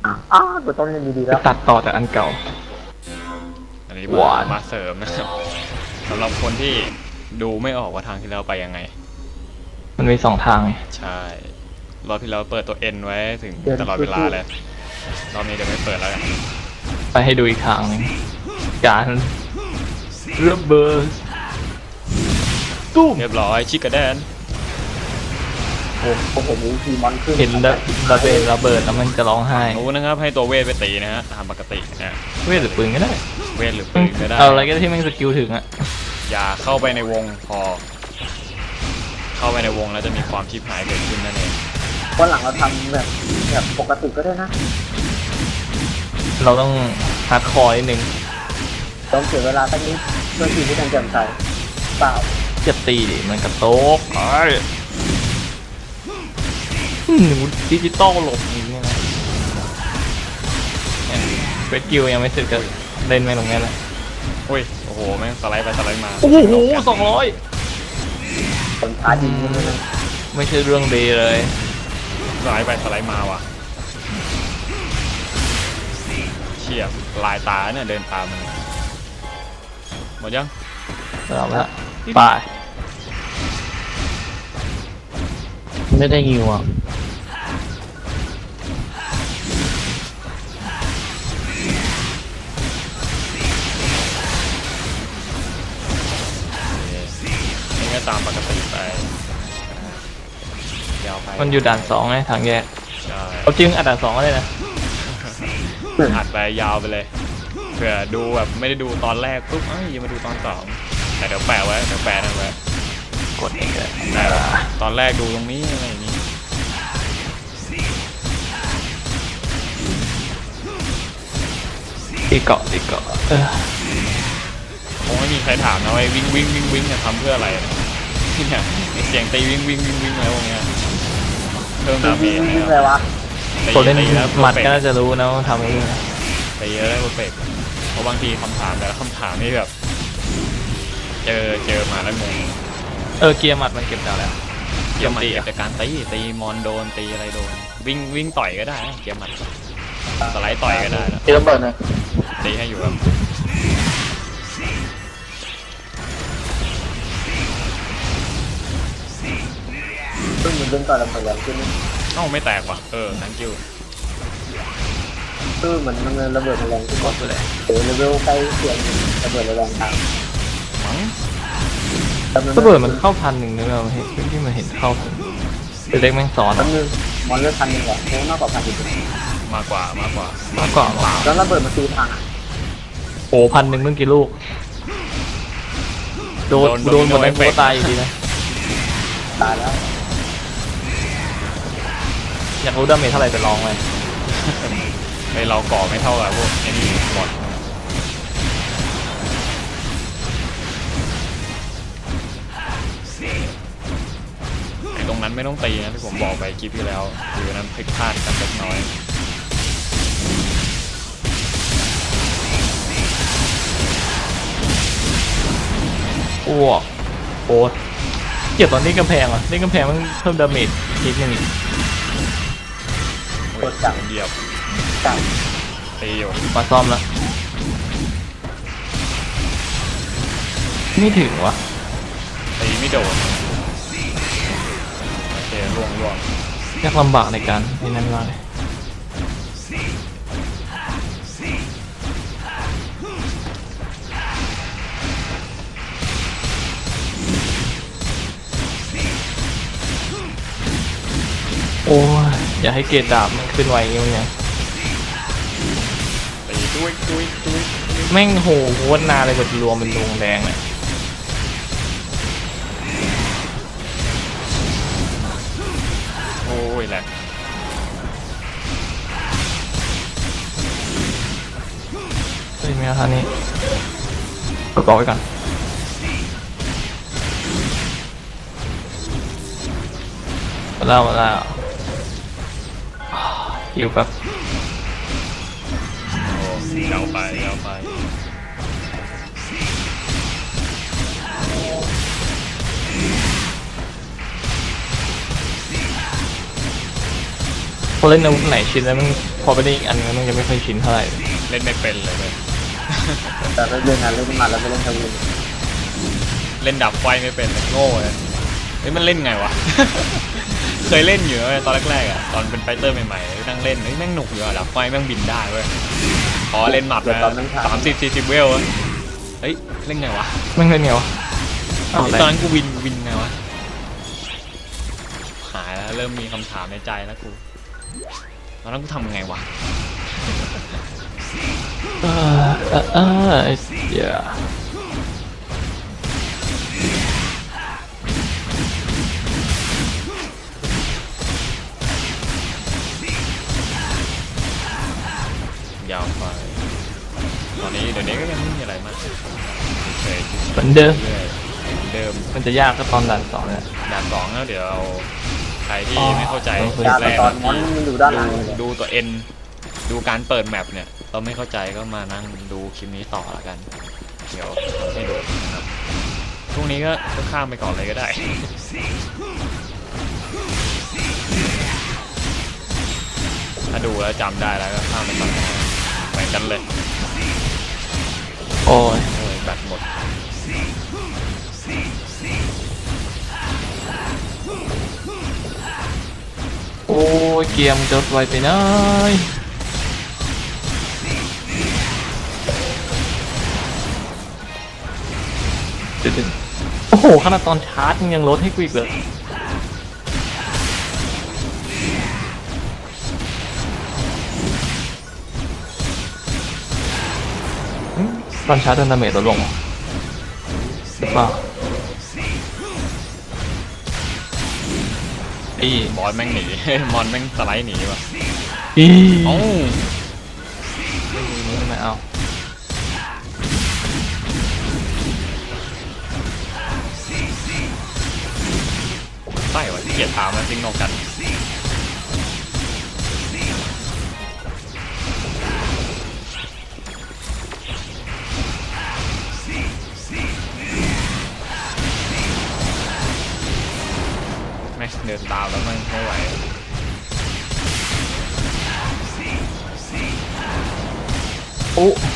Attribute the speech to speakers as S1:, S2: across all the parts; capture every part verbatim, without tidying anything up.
S1: อ้าวกูต้องเล่นดีๆ
S2: ไป
S1: แล้ว
S2: ตัดต่อจากอันเก่า
S3: อันนี้
S2: หวาม
S3: าน มาเสริมนะครับสำหรับคนที่ดูไม่ออกว่าทางที่เราไปยังไง
S2: มันมีสองทางไง
S3: ใช่รอบที่เราเปิดตัว N ไว้ถึงตลอดเวลาเลยรอบนี้เดี๋ยวไม่เปิดแล้วกัน
S2: ไปให้ดูอีกทางหนึงการระเบิดตุ้ม
S3: เรียบร้อยชิคกระแดน
S1: โอ้โหมีทีมอนขึ้น
S2: เห็นระระเบิดระเบิดแล้วมันจะร้องไห้
S3: รู้นะครับให้ตัวเวทไปตีนะฮะตามปกตินะ
S2: เวทหรือปืนก็ได้
S3: เวทหรือปืนก็ได้
S2: เอาอะไรก็ได้ที่แม่งสกิลถึงอะ
S3: อย่าเข้าไปในวงพอ เข้าไปในวงแล้วจะมีความชิบหายเกิดขึ้นนั่นเอง
S1: วันหลังเราทำแบบแบบปกติก็ได้นะ
S2: เราต้องฮาร์ดคอร์นิดนึง
S1: ต้องเสียเวลาสักนิดเพื่อทีมที่ทันเจมใจเปล่า
S2: จะตีดิมันกระโตกไอ้หนูดิจิตอลหลบอย่างเงี้ยนะเฟสกิลยังไม่เสร็จก็เล่นไม่ลงแน่แล้ว
S3: อุ้ยโอ้โหแม่งสไลด์ไปสไลด์มา
S2: โอ้โหสองร้อย
S1: คนท้ายิงนี่นะ
S2: ไม่ใช่เรื่องดีเลย
S3: สไลด์ไปสไลด์มาว่ะเฉียบลายตาเนี่ยเดินตามมันหมดยัง
S2: สำหรับละไปไม่ได้ยิวอ่ะ
S3: นี่ก็ตามปกติไปยาวไป
S2: มันอยู่ด่านสองไงทางแยก
S3: ใช่
S2: เอาจริงอัดด่านสองก็ได้นะ
S3: อัดไปยาวไปเลยเผื่อดูแบบไม่ได้ดูตอนแรกปุ๊บเอ้ยยังมาดูตอนสองแต่เดี๋ยวแปะไว้เดี๋ยวแปะนั่นไว้
S2: กดเองเลย
S3: ได้ปะตอนแรกดูตรงนี้อะไรอย่างนี้
S2: ตีเกาะตีเกาะเออ
S3: คงไม่มีใครถามนะว่าวิ่งวิ่งวิ่งวิ่งจะทำเพื่ออะไรเนี่ยไอ้เสียงตีวิ่งวิ่งวิ่งวิ่งอะไรพวกเนี้ยเพิ่มดาเม
S1: วิ่ง
S3: จ
S1: วิ่งเลยวะ
S2: คนเล่น
S3: ตีแล้ว
S2: หมัด
S3: เพอร์
S2: ก็
S3: เฟก
S2: น่าจะรู้นะว่าทำเอง
S3: ตีแล้วได้เพอร์เฟกเพราะบางทีคำถามแต่ละคำถามนี่แบบเจอเจอมาแล้วงง
S2: เออเกียร์หมัดมันเก็บจากแล้ว
S3: เกียร์หมัดเก็บจากการตีตีมอนโดนตีอะไรโดนวิ่งวิ่งต่อยก็ได้นะเกียร์หมัดสไลด์ต่อยก็ได้นะ
S1: เตรียมเปิดเลย
S3: ตีให้อยู่ครับ
S1: ซึ่งมันเล่นก่อนระเบิดแรงขึ้น
S3: เอ้าไม่แตกว่ะเออ thank you
S1: คือเหมือนมันระเบิดแรงขึ้น
S2: กดไปเลย
S1: เดี๋ยวเลเวลใกล้เคียงระเบิดแรงตาม
S3: มั้ง
S2: ระเบิดมันเข้าพันหนึ่งนะเราเห็นที่มันเห็นเข้าพันเป็นเล็กแม่งสอน
S1: มันนึงมอนเลือดพันหนึ่งเหรอโค้งมากกว่าพันอีก
S3: มากกว่ามากกว่าม
S2: ากกว่า
S1: แล้วระเบิดมันตีพังอ่ะ
S2: โอ้พันหนึ่งเมื่อกี่ลูกโดนโดนหมดเลยโคตายอยู่ดีนะ
S1: ตายแล้ว
S2: อยากรู้ดาเมจเท่าไหร่ไปลองเลย
S3: ไอเราก่อไม่เท่ากับพวกไอ้นี่หมดไอตรงนั้นไม่ต้องตีนะที่ผมบอกไปคลิปที่แล้วคือนั้นพลิกพลาดกันเล็กน้อย
S2: อ้วกโอ้เกี่ยวตอนนี้กำแพงอ่ะนี่กำแพงมันเพิ่มดาเมจนิดนึงอีก
S3: โอ้ยผมเหยียบ
S1: จับ
S3: ตีอยู่
S2: มาซ่อมแล้วไม่ถึงวะ
S3: ตีไม่โดนโอเคล่วงล่วง
S2: ยากลำบากในการในนั้นมากเลยโอ้ยอย่าให้เกรดดาบมันขึ้นไวอย่างเงี้ยมันยัง
S3: ตีดุ้ยดุ้ยดุ้ย
S2: แม่งโหโคตรนานเลยกว่าจะรวมเป็นดวงแดงเนี่ย
S3: โอ้ยแหลก
S2: เฮ้ยไม่เอาท่านี้กดบอกไว้ก่อนมาแล้วมาแล้วหิวแบบ
S3: โอ้ยาวไปยาวไป
S2: พอเล่นอาวุธไหนชินแล้วมันพอไปได้อีกอันนึงยังไม่ค่อยชินเท่าไหร่
S3: เล่นไม่เป็นเลยเลย
S1: แต่เล่นงานเล่นมาแล้วไม่เล่นทวิน
S3: เล่นดับไฟไม่เป็นเลยโง่เลยเฮ้ยมันเล่นไงวะ เคยเล่นอยู่เว้ยตอนแรกๆอ่ะตอนเป็นไฟเตอร์ใหม่ๆนั่งเล่นเฮ้ยแม่งหนุกอยู่อะดับไฟแม่งบินได้เว้ยพอเล่นหมัดมาสามสิบสี่สิบเวลอะเฮ้ยเล่นไงวะ
S2: แม่งเล่นไงวะอ้าว
S3: ตอนนั้นกูวินวินไงวะหายแล้วเริ่มมีคำถามในใจแล้วกูตอนนั้นกูทำไงวะ
S2: เออเออเออไอ้เสีย
S3: ยาวไปตอนนี้เดี๋ยวนี้ก็ยังไม่มีอะไรมากเฉย
S2: เหมือนเดิม
S3: ๆเรื่อยๆเหมือนเดิม
S2: มันจะยากก็ตอนด่านสองเนี่ย
S3: ด่านสองแล้วเดี๋ยวเราใครที่
S2: อ๋อ
S3: ไม่เข้าใจ
S2: ต้อง
S1: ยา
S3: แรก
S1: ตอนมอนมันอยู่ด้านหลัง
S3: ดู
S1: เลย
S3: ดูตัวเอ็นดูการเปิดแมปเนี่ยเราไม่เข้าใจก็มานั่งดูคลิปนี้ต่อละกัน เดี๋ยวให้ดูนะครับพรุ่งนี้ก็ก็ข้ามไปก่อนเลยก็ได้ ถ้าดูแล้วจำได้แล้วก็ข้ามไปก่อนไปกันเลย
S2: โอ้ย
S3: โอ้ยแบตหมด
S2: โอ้ยเกียร์มนจะไวไปหน่อยเดี๋ยวๆโอ้โหขนาดตอนชาร์จยังลดให้กูอีกเลยอืมตอนชาร์จโดนดาเมจลดลงหรือเปล่าอี
S3: บอสแม่งหนี มอนแม่งสไลด์หนีว่ะ
S2: อี
S3: เอ้า
S2: ไม่ไม่เอา
S3: ใช่ว่ะเกลียดถามมาซิงโนกันแม่งเดินตามแล้วมันไม่ไหว
S2: โอ้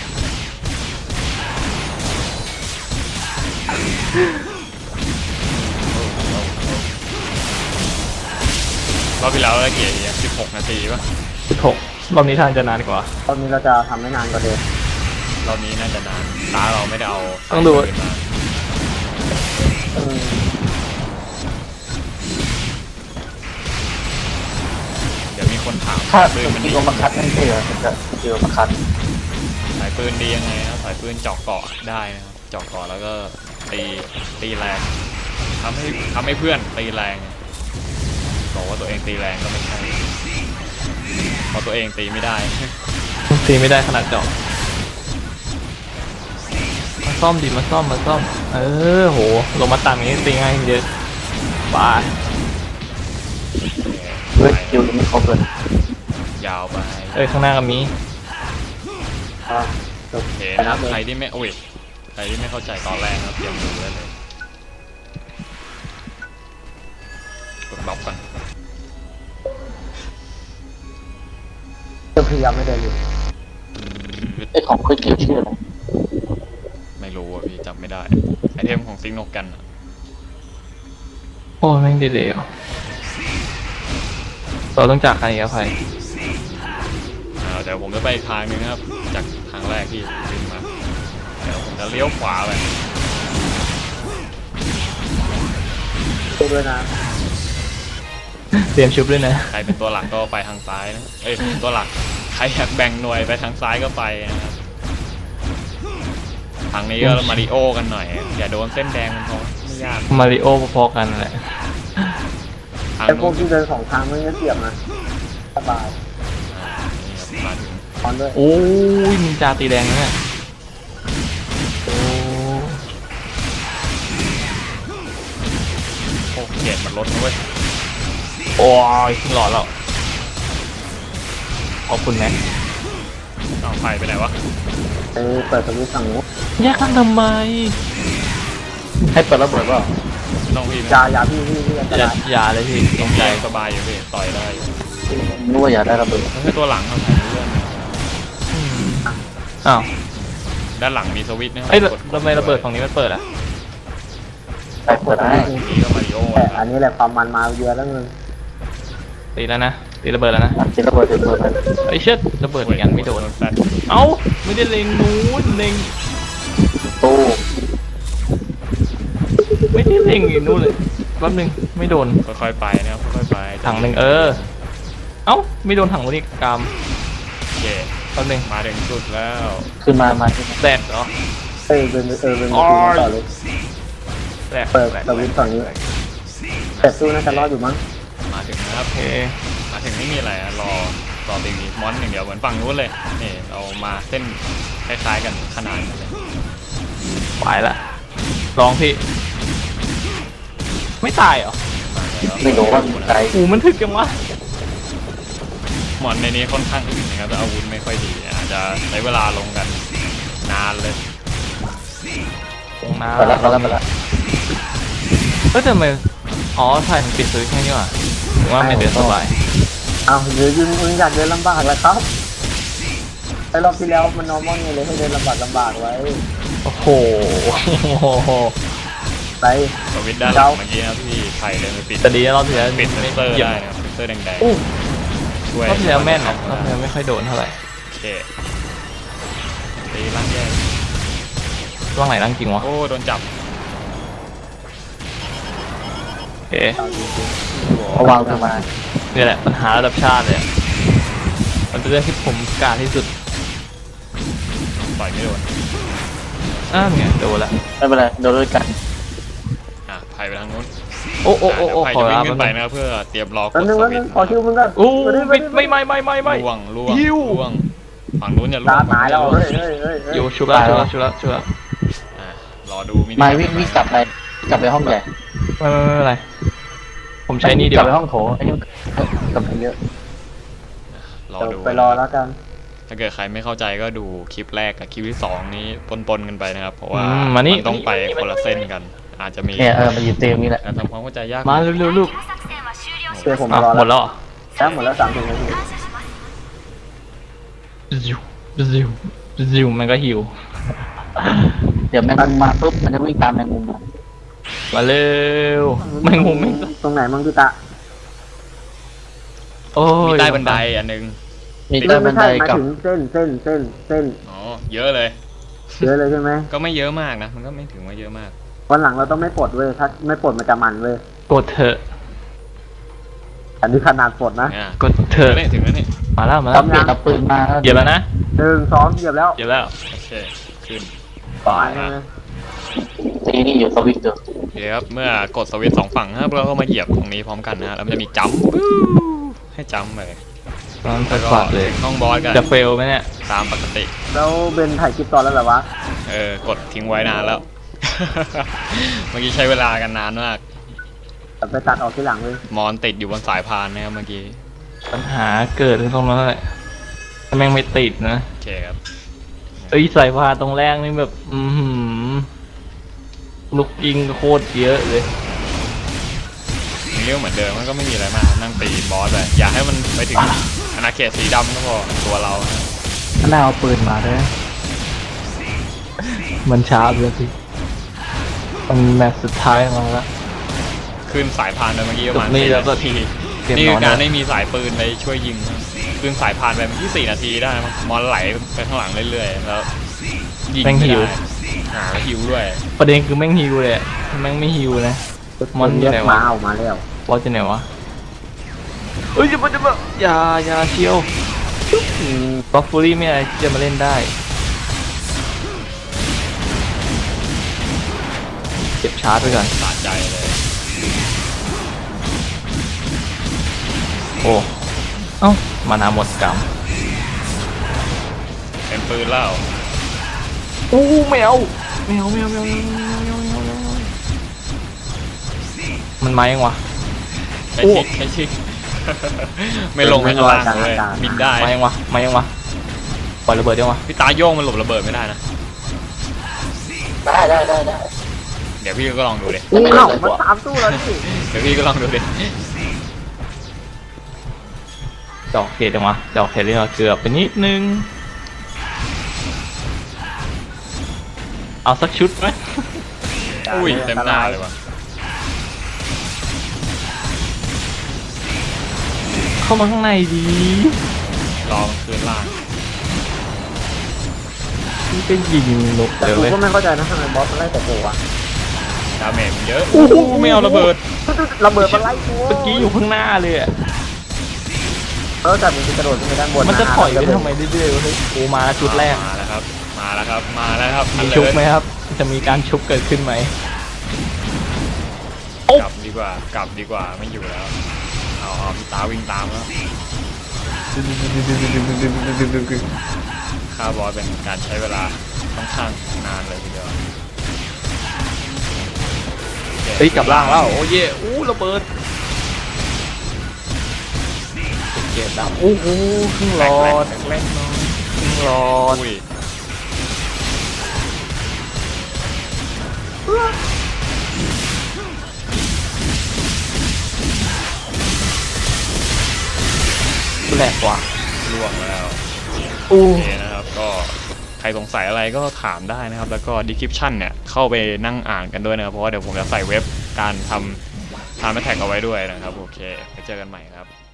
S3: รอบที่แล้วเราเกลียดอย่างสิบหกนาทีป่ะ
S2: สิบหกรอบนี้ทางจะนานกว่า
S1: ตอนนี้เราจะทำไม่นานกว่าเดิม
S3: รอบนี้น่าจะนานตาเราไม่ได้เอา
S2: ต้องดู
S3: สายปืนมา
S1: เออ
S3: เดี๋ยวมีคนถาม
S1: ถ้า
S3: สายปืนมัน
S1: ตี
S3: ดี
S1: ลมประคัดไม่ใช่เหรอจะตีลมประคัด
S3: สายปืนดียังไงครับสายปืนเจาะเกาะได้นะครับเจาะเกาะแล้วก็ตีตีแรงทำให้ทำให้เพื่อนตีแรงบอกว่าตัวเองตีแรงก็ไม่ใช่เพราะตัวเองตีไม่ได้
S2: ตีไม่ได้ขนาดเจาะมาซ่อมดิมาซ่อมมาซ่อม เออโหลงมาต่ำอย่างนี้ตีง่ายเยอะบาย
S1: เฮ้ยคิวยังไม่ครบเลย
S3: ยาวไป
S2: เอ้ยข้างหน้าก็มี
S1: อ่ะจบ
S3: โอเค
S1: ไป
S3: นะค
S1: นั
S3: รั
S1: บบ เลย
S3: ใครที่ไม่โอ้ยใครที่ไม่เข้าใจตอนแรกนะครับเตรียมดูได้เลยกดบล็อกก่อน
S1: จะพยายามไม่เดินอยู่ไอของคุยเกี่ยวชื่ออะไร
S3: ไม่รู้อ่ะพี่จำไม่ได้ไอเทมของซิงโนกันอะ
S2: โอ้ยแม่งดีเลยเราต้องจากใครกับใคร
S3: อ่าเดี๋ยวผมจะไปอีกทางหนึงนะครับจากทางแรกที่วิ่งมาเดี๋ยวผมจะเลี้ยวขวาไป
S1: ดูด้วยนะ
S2: เตรียมชุบด้วยนะ
S3: ใครเป็นตัวหลักก็ไปทางซ้ายนะเอ้ยตัวหลักใครอยากแบ่งหน่วยไปทางซ้ายก็ไปนะครับทางนี้ก็มาริโอกันหน่อยอย่าโดนเส้นแดงมันพอไม่ยาก
S2: มาริโอพอๆกันแหละ
S3: ทาง
S1: ไอพว
S3: นู้
S1: ก
S3: น
S1: ที่เดินสองทางไม่ได้เสียบนะสบาย
S3: อ่านี่ครับมาถึง
S1: ตอนด้วย
S2: โอ้ยนินจาตีแดงนะเนี่ยโอ้
S3: โอ้เกรดมันลดนะเว้ย
S2: โอ้ยหลอดแล้วขอบคุณแม็ก
S3: เอาไฟไปไหนวะ
S1: เออเปิดสวิตช์ฝั่งนู้น
S2: แยกกันทำไม ให้เปิดระเบิดเปล่า
S3: ไม่ต้องพี่
S1: อยาอยาพี่พี่พี่อันต
S2: อย่าร
S1: าย
S2: อย่าเลยพี่ต
S3: ต้
S2: ร
S3: อง
S2: งใจ
S3: ใจสบายอยู่พี่ต่อยได้อยู่
S4: นึกว่าอยากได้ระเบิด
S3: มันคือตัวหลังครับถ่ายเรื่อง
S2: อ้าว
S3: ด้านหลังมีสวิตช์นะครั
S2: เอ้ย
S3: กด
S2: ทำไมระเบิดฝั่งนี้มันเปิดอ่ะ
S4: ไปเปิดได้
S3: นี่ก็มาริโอ
S1: แต่
S3: นะค
S1: อั
S3: รับ
S1: นนี้แหละความมันมาเยอะแล้วมึง
S2: ตีแล้วนะตีระเบิดแล้วนะ
S4: จิระเบิดจะเปิดมัน
S2: ไอ้ยเชิดระเบิดอีกอันไม่โดน
S3: แฟลช
S2: เอ้าไม่ได้เล็งนู้นเล็ง
S4: ตู้
S2: ไม่ได้เล็งอีกนู้นเลยแป๊บนึงไม่โดน
S3: ค่อยๆไปนะครับค่อยๆไป
S2: ถังหนึ่งเออ เอ้าไม่โดนถังวันนี้กาม
S3: โอเค
S2: แป๊บนึง
S3: มาถึงจุดแล้ว
S4: ขึ้นมามาที่
S2: แตกเหรอ
S1: เอ้ยเป็นเออเป็นมือถือต่อเลย
S2: แตก
S1: เปิด
S2: แตก
S1: สวิตช์ฝั่งนี้แต่สู้น่าจะรอดอยู่มั้ง
S3: มาถึงนะครับ
S2: โอเค
S3: มาถึงไม่มีอะไรอะรอรอตีมีมอนอย่างเดียวเหมือนฝั่งนู้นเลยนี่เรามาเส้นคล้ายๆกันขนาดกันเลย
S2: ไปละลองพี่ ไม่ตายเหรอ
S4: ไม่รู้ว่าใจ
S2: อูมันถึกจังวะ
S3: มอนในนี้ค่อนข้างอื่นนะครับแต่อาวุธไม่ค่อยดีอาจจะใช้เวลาลงกันนานเลย
S2: ตรงน้
S4: ไปแล้วไปแล้วไปแล้ว
S2: ำเฮ้ยแต่ทำไมอ๋อถ่ายมันปิดสวิตช์แค่นี้ว่ะถึงว่าไม่เดินสบาย
S1: เอาเดี๋ยวยิงมึงอยากเดินลำบากแล้วครับไอ้รอบที่แล้วมันนอร์มอลไงเลยให้เดินลำบากลำบากไว้
S2: โอ้โห
S1: ไป
S3: สวิตช์ด้านหลังเมื่อกี้นะครับที่ไผ่เลยไปปิด
S2: แต่ดีนะรอบที่แล้ว
S3: ปิดเซนเซอร์
S2: หยียบ
S3: ได้นะครับเซนเซอร์แดง
S2: อู้
S3: ๆช่วย
S2: รอบที่แล้วแม่นนะรอบที่แล้วไม่ค่อยโดนเท่าไหร่
S3: โอเคตีล่างแยก
S2: ร่างไหนร่างจริงวะ
S3: โอ้โดนจับ
S2: โอเค
S4: เอาวางลงมา
S2: นี่แหละปัญหาระดับชาติเลยอะมันเป็นเรื่องที่ผมกล้ารที่สุด
S3: ต่อยไม่โดน
S2: อ้าวไงโดนละ
S4: ไม่เป็นไรโดนด้วยกัน
S3: อ่ะไผ่ไปทางนู้น
S2: โอ้โอ้โอ้โอ้
S3: ไผ่
S2: ขอ
S3: จะวิ่
S2: ลาง
S3: ขึ้น
S2: ไป
S3: ไปนะครับเพื่อเตรียมรอก
S1: แป๊บ
S3: ด
S1: นึง
S3: ส
S1: แป๊บ
S3: วิ
S1: นึ
S3: ต
S1: ง
S3: ช์
S1: ขอคิวมึงก่อน
S2: โอ้
S1: มาดิ
S2: ไม่
S1: ดิ
S2: ไม่ไม่ไม่ไม่ไม่
S3: ล่วงล่วง
S2: หิว
S3: ล่วง ฝั่งนู้นอย่าล่ว
S1: ตาง ตายแล้วเฮ้ยเฮ้ยเฮ้ย
S2: อ
S1: เฮ้ย
S2: ยู่ชุบละชุบละชุบละชุบละ
S3: อ่ะรอดูมินิ
S4: มาวิ่งวิ่งกลับไปกลับไปห้องใหญ่
S2: ไม่ไม่ไม่เป็นไรผมใช้นี่เดี
S4: ก
S2: ย
S4: ลับ
S2: ว
S4: ไปห้องโถไอ้นี่กลับไปเยอะ
S3: รอ
S1: เดี๋ยว
S3: ดู
S1: ไปรอแล้วกัน
S3: ถ้าเกิดใครไม่เข้าใจก็ดูคลิปแรกกับคลิปที่สองนี้ปนๆกันไปนะครับ เพราะว่า
S2: อืมมานี่
S3: นต้องไปคนละเส้นกัน อาจจะมี
S4: เนี่ยเออมันอยู่เต็มนี่แหละ
S3: การทำความเข้าใจยาก
S2: มาเร็วๆลูก
S1: เชื่อผม
S2: อ่ะ
S1: รอ
S2: หมด
S1: แล้ว
S2: แล้วเหรอ
S1: แล้วหมดแล้วสามสิบนาที
S2: ซิวซิวซิวมันก็หิว
S4: เดี๋ยวแมงมุมมาปุ๊บมันจะวิ่งตามแมงมุมมา
S2: มาเร็วแมงมุมแม่ง
S1: ตรงไหนมึงพี่ตะ
S2: โอ้ย
S3: มีใต้บันไดอันหนึง
S4: มีใต้บันได
S1: ไม่ใช่หมาย
S4: กับ
S1: ถึงเส้นเส้นเส้นเส้น
S3: อ๋อเยอะเลย
S1: เยอะเลยใช่ไหม
S3: ก็ไม่เยอะมากนะ มันก็ไม่ถึงว่าเยอะมาก
S1: วันหลังเราต้องไม่ปลดเว้ยถ้าไม่ปลดมันจะมันเว้ย
S2: กดเถอะ
S1: อันนี้ขนาดปลดนะ
S3: อ่ะ
S2: กดเถ
S3: ถึง
S2: อะ
S3: แล้วนี่ถึงแล้วนี่
S2: มาแล้วมา
S4: ต้
S2: แล้
S4: อ
S2: ว
S4: งเปลี่ยนเอาปืนมา
S2: เหยียบแล้วนะ
S1: หนึ่งสองเหยียบแล้ว
S2: เหยียบแล้ว
S3: โอเค ขึ้น
S1: ตายเลย
S4: ตีนี่อยู่สวิตช์อยู่
S3: โอเคครับ เมื่อกดสวิตช์สองฝั่งนะครับเราก็มาเหยียบตรงนี้พร้อมกันนะฮะแล้วมันจะมีจัมป์ให้จัมป์ไป
S2: ตอน
S3: แล้วก็
S2: ปัดเลย
S3: ถึงห้องบอสกัน
S2: จะเฟลไหมเนี่ย
S3: ตามปกติ
S1: แล้วเบนถ่ายคลิปตอนแล้วเหรอวะ
S3: เออ กดทิ้งไว้นานแล้ว เมื่อกี้ใช้เวลากันนานมาก
S1: แต่ไปตัดออกทีหลังเลย
S3: มอนติดอยู่บนสายพานนะครับเมื่อกี้
S2: ปัญหาเกิดที่ตรงนั้นแหละถ้าแม่งไม่ติดนะ
S3: โอเคครับ
S2: เอ้ยสายพานตรงแรกนี่แบบ อือหือลูกยิงโคตรเยอะเลย
S3: มันเรื่องเหมือนเดิมมันก็ไม่มีอะไรมากนั่งตีบอสไปอย่าให้มันไปถึงอาณาเขตสีดำก็พอตัวเรานะ
S4: ถ้าน่าเอาปืนมาด้วย
S2: มันช้าไปแล้วสิมันแมตช์สุดท้ายมาแล้ว
S3: ขึ้นสายพานไปเมื่อกี้ประมาณ
S2: นี่
S3: สี่
S2: แล้วก็
S3: นาที
S2: เตรียม
S3: นี่
S2: น
S3: คือ อน การ
S2: แล้ว
S3: ไม่มีสายปืนไปช่วยยิงนะขึ้นสายพานไปเมื่อกี้สี่นาทีได้มั้งมอนไหลไปข้างหลังเรื่อยๆแล้วยิง
S2: แม่ง
S3: ไม่
S2: หิว
S3: ได้หาแล้วหิวด้วย
S2: ประเด็นคือแม่งฮิวเลยอะแม่งไม่ฮิวนะ มอนอยู่ไหนวะ
S1: มาเอามาแล้ว
S2: บอสจะไหนวะเอ้ยจะมาจะมาอย่าอย่าเชียวบัฟฟูรี่ไม่อะไรที่จะมาเล่นได้เก็บชาร์จไปก่อน
S3: สะใจเลย
S2: โอ้เอ้ามานาหมดกรรม
S3: เป็นปืนแล้ว
S2: โอ้แมวแมวแมวแมวแมวแมวแมวแมวแมวมันมายังวะ
S3: ใช้ชิกใช้ชิก ไม่ลงไม่ข้างล่างเลยบินได้
S2: มายังวะมายังวะปล่อยระเบิดยังวะ
S3: พี่ตาโยงมันหลบระเบิดไม่ได้นะ
S4: ได้ได้ได้ได้
S3: เดี๋ยวพี่ก็ลองดูดิ
S1: อู้เอ้ามันตามสู้แล้วนี่
S3: เดี๋ยวพี่ก็ลองดูดิ
S2: ดอกเขตจังวะดอกเขตเรียกว่าเกือบไปนิดนึงเอาสักชุดไหม
S3: อุ้ยเต็มหน้าเลยว่ะ
S2: เข้ามาข้างในดี
S3: รอมันคืนล่าง
S2: นี่ก็ยิงนก
S1: แต่
S2: เดี๋ยว
S1: กู
S2: เลย
S1: ก็ไม่เข้าใจนะทำไมบอสมันไล่แต่กูอะ
S3: ดาเมจมันเยอะอู้หูไม่เอาระเบิด
S1: ระเบิดมันไล่กู
S2: เมื่อกี้อยู่ข้างหน้าเลยอะ
S1: แล้วแต่มันจะกระโดดขึ้นไปด้านบน
S2: มันจะถอยไปทำไมเรื่อยๆวะเฮ้ยโอ้มาจุดแรก
S3: มาแล้วครับมาแล้วครับมาแล้วครับ
S2: มีชุบไหมครับ จะมีการชุบเกิดขึ้นไหม
S3: กลับดีกว่ากลับดีกว่าไม่อยู่แล้วเอาเอาพี่ตาวิ่งตามแล้วฆ่าบอสเป็นการใช้เวลาค่อนข้างนานเลยทีเดียว
S2: เฮ้ยกลับล่างแล้วโอ้เย่อู้ระเบิดเก็บดำอู้หูครึ่งหลอด
S3: แรก
S2: ครึ่งหลอด
S3: อุ้ย
S2: แหลกกว่า
S3: ล่วงแล้ว
S2: อู้
S3: โอเคนะครับก็ใครสงสัยอะไรก็ถามได้นะครับ แล้วก็ description เนี่ยเข้าไปนั่งอ่านกันด้วยนะครับเพราะว่าเดี๋ยวผมจะใส่เว็บการทำทำแท็กเอาไว้ด้วยนะครับโอเคไปเจอกันใหม่ครับ